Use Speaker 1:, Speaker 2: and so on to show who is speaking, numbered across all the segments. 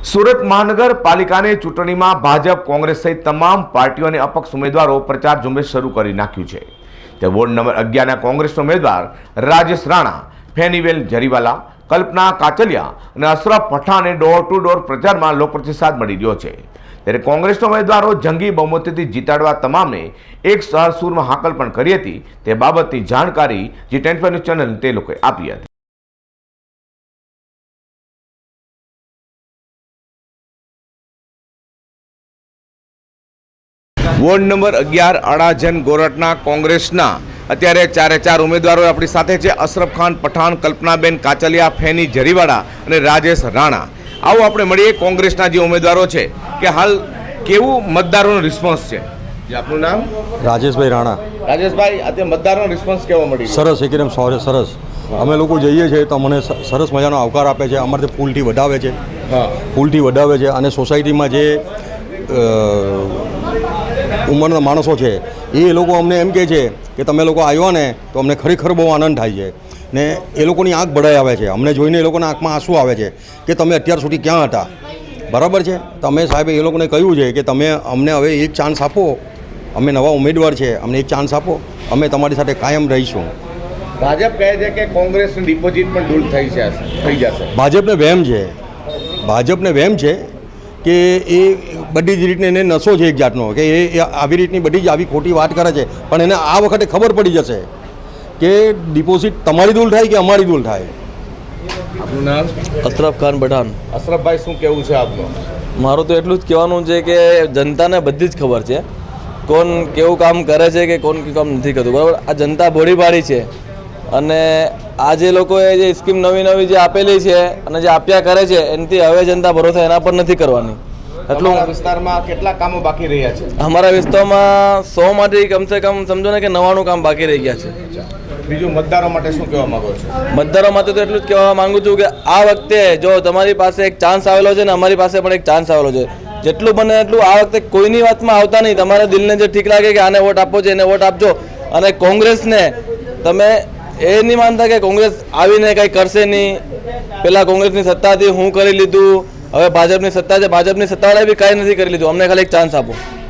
Speaker 1: સુરત મહાનગરપાલિકાની ચૂંટણીમાં ભાજપ કોંગ્રેસ સહિત તમામ પાર્ટીઓ અને અપક્ષ ઉમેદવારો પ્રચાર ઝુંબેશ શરૂ કરી નાખ્યું છે। તે વોર્ડ નંબર 11ના કોંગ્રેસના ઉમેદવાર રાજેશ રાણા, ફેનીવેલ જરીવાલા, કલ્પના કાચલિયા અને અશરફ પઠાણે ડોર ટુ ડોર પ્રચારમાં લોકપ્રતિસાદ મળી રહ્યો છે। ત્યારે કોંગ્રેસના ઉમેદવારો જંગી બહુમતીથી જીતાડવા તમામને એક સૂરમાં હાકલ પણ કરી હતી। તે બાબતની જાણકારી G10 ન્યૂઝ ચેનલ તે લોકોએ આપી હતી। વોર્ડ નંબર 11 અડાજન ગોરટના કોંગ્રેસના અત્યારે ચારે ચાર ઉમેદવારો આપણી સાથે છે। અશરફ ખાન પઠાણ, કલ્પનાબેન કાચલિયા, ફેની જરીવાડા અને રાજેશ રાણા। આવો આપણે મળીએ કોંગ્રેસના જે ઉમેદવારો છે કે હાલ કેવું મતદારોનો રિસ્પોન્સ છે। આપનું નામ?
Speaker 2: રાજેશભાઈ રાણા।
Speaker 1: રાજેશભાઈ, આજે મતદારોનો રિસ્પોન્સ કેવો મળી?
Speaker 2: સરસ, એકદમ સરસ। અમે લોકો જઈએ છીએ તો મને સરસ મજાનો આવકાર આપે છે। અમારે ફૂલથી વધાવે છે, ફૂલથી વધાવે છે અને સોસાયટીમાં જે ઉંમરના માણસો છે એ લોકો અમને એમ કહે છે કે તમે લોકો આવ્યા ને તો અમને ખરેખર બહુ આનંદ થાય છે ને એ લોકોની આંખ ભરાઈ આવે છે। અમને જોઈને એ લોકોના આંખમાં આંસુ આવે છે કે તમે અત્યાર સુધી ક્યાં હતા, બરાબર છે। તમે સાહેબ એ લોકોને કહ્યું છે કે તમે અમને હવે એક ચાન્સ આપો, અમે નવા ઉમેદવાર છે, અમને એક ચાન્સ આપો, અમે તમારી સાથે કાયમ રહીશું।
Speaker 1: ભાજપ કહે છે કે કોંગ્રેસની ડિપોઝિટ પણ દૂર થઈ જશે।
Speaker 2: ભાજપને વહેમ છે કે એ બધી જ રીતને એને નશો છે એક જાતનો કે એ આવી રીતની બધી જ આવી ખોટી વાત કરે છે, પણ એને આ વખતે ખબર પડી જશે કે ડિપોઝિટ તમારી દૂર થાય કે અમારી દૂર થાય।
Speaker 1: આપનું નામ?
Speaker 3: અશરફ ખાન પઠાણ।
Speaker 1: અશરફભાઈ, શું કહેવું છે આપનું?
Speaker 3: મારું તો એટલું જ કહેવાનું છે કે જનતાને બધી જ ખબર છે કોણ કેવું કામ કરે છે કે કોણ કેવું કામ નથી કરતું, બરાબર। આ જનતા ભોળી પાડી છે અને આ જે લોકોએ જે સ્કીમ નવી જે આપેલી છે અને જે આપ્યા કરે છે એનાથી હવે જનતા ભરોસા એના પર નથી કરવાની। એટલું
Speaker 1: વિસ્તારમાં કેટલા કામો બાકી રહ્યા છે?
Speaker 3: અમારા વિસ્તારમાં 100 માંથી કમસે કમ સમજો ને કે 99 કામ બાકી રહી ગયા છે।
Speaker 1: બીજું મતદારો માટે શું કહેવા માંગો છો?
Speaker 3: મતદારો માટે તો એટલું જ કહેવા માંગુ છું કે આ વખતે જો તમારી પાસે એક ચાન્સ આવેલો છે ને અમારી પાસે પણ એક ચાન્સ આવેલો છે, જેટલું બને એટલું આ વખતે કોઈની વાતમાં આવતા નહીં। તમારા દિલને જે ઠીક લાગે કે આને વોટ આપવો છે એને વોટ આપજો અને કોંગ્રેસને તમે એ નહીં માનતા કે કોંગ્રેસ આવીને કંઈ કરશે નહીં, પહેલાં કોંગ્રેસની સત્તા હતી હું કરી લીધું, હવે ભાજપની સત્તા છે, ભાજપની સત્તાવાળાએ બી કાંઈ નથી કરી લીધું, અમને ખાલી એક ચાન્સ આપો।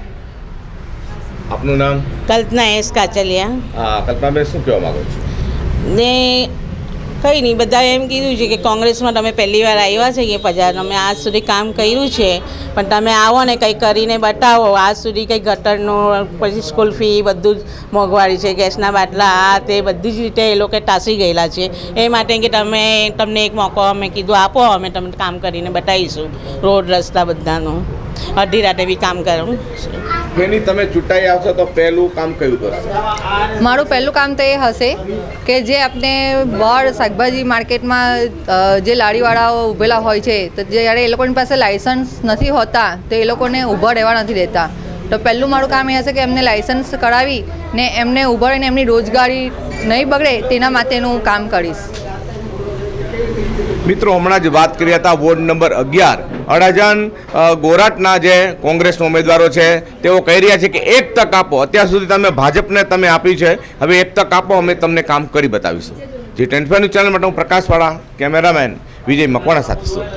Speaker 1: આપનું નામ?
Speaker 4: કલ્પના એસ કાચલિયા।
Speaker 1: હા, કલ્પનાબેન, શું કહેવા માંગો છો?
Speaker 4: ને કંઈ નહીં, બધાએ એમ કીધું છે કે કોંગ્રેસમાં તમે પહેલી વાર આવ્યા છે કે પજાર અમે આજ સુધી કામ કર્યું છે પણ તમે આવો ને કંઈ કરીને બતાવો। આજ સુધી કંઈ ગટરનું, પછી સ્કૂલ ફી બધું જ મોંઘવારી છે, ગેસના બાટલા, આ તે બધી જ રીતે એ લોકો ટાંસી ગયેલા છે। એ માટે કે તમને એક મોકો અમે કીધું આપો, અમે તમને કામ કરીને બતાવીશું, રોડ રસ્તા બધાનું, અડધી રાતે બી કામ કરું।
Speaker 1: એની તમે ચૂંટાઈ આવશો તો પહેલું કામ કયું કરશો?
Speaker 5: મારું પહેલું કામ તો એ હશે કે જે આપણે બહાર શાકભાજી માર્કેટમાં જે લારીવાળાઓ ઊભેલા હોય છે તો જ્યારે એ લોકોની પાસે લાઇસન્સ નથી હોતા તો એ લોકોને ઊભા રહેવા નથી દેતા, તો પહેલું મારું કામ એ હશે કે એમને લાઇસન્સ કરાવી ને એમને ઊભા રહીને એમની રોજગારી નહીં બગડે તેના માટેનું હું કામ કરીશ।
Speaker 1: મિત્રો, હમણાં જ વાત કરી હતા વોર્ડ નંબર 11 અડાજણ ગોરાટના જે કોંગ્રેસના ઉમેદવારો છે તેઓ કહી રહ્યા છે કે એક તક આપો, અત્યાર સુધી તમે ભાજપને તમે આપી છે, હવે એક તક આપો, અમે તમને કામ કરી બતાવીશું। G10 ન્યૂઝ ચેનલ માટે હું પ્રકાશવાળા, કેમેરામેન વિજય મકવાણા સાથે છું।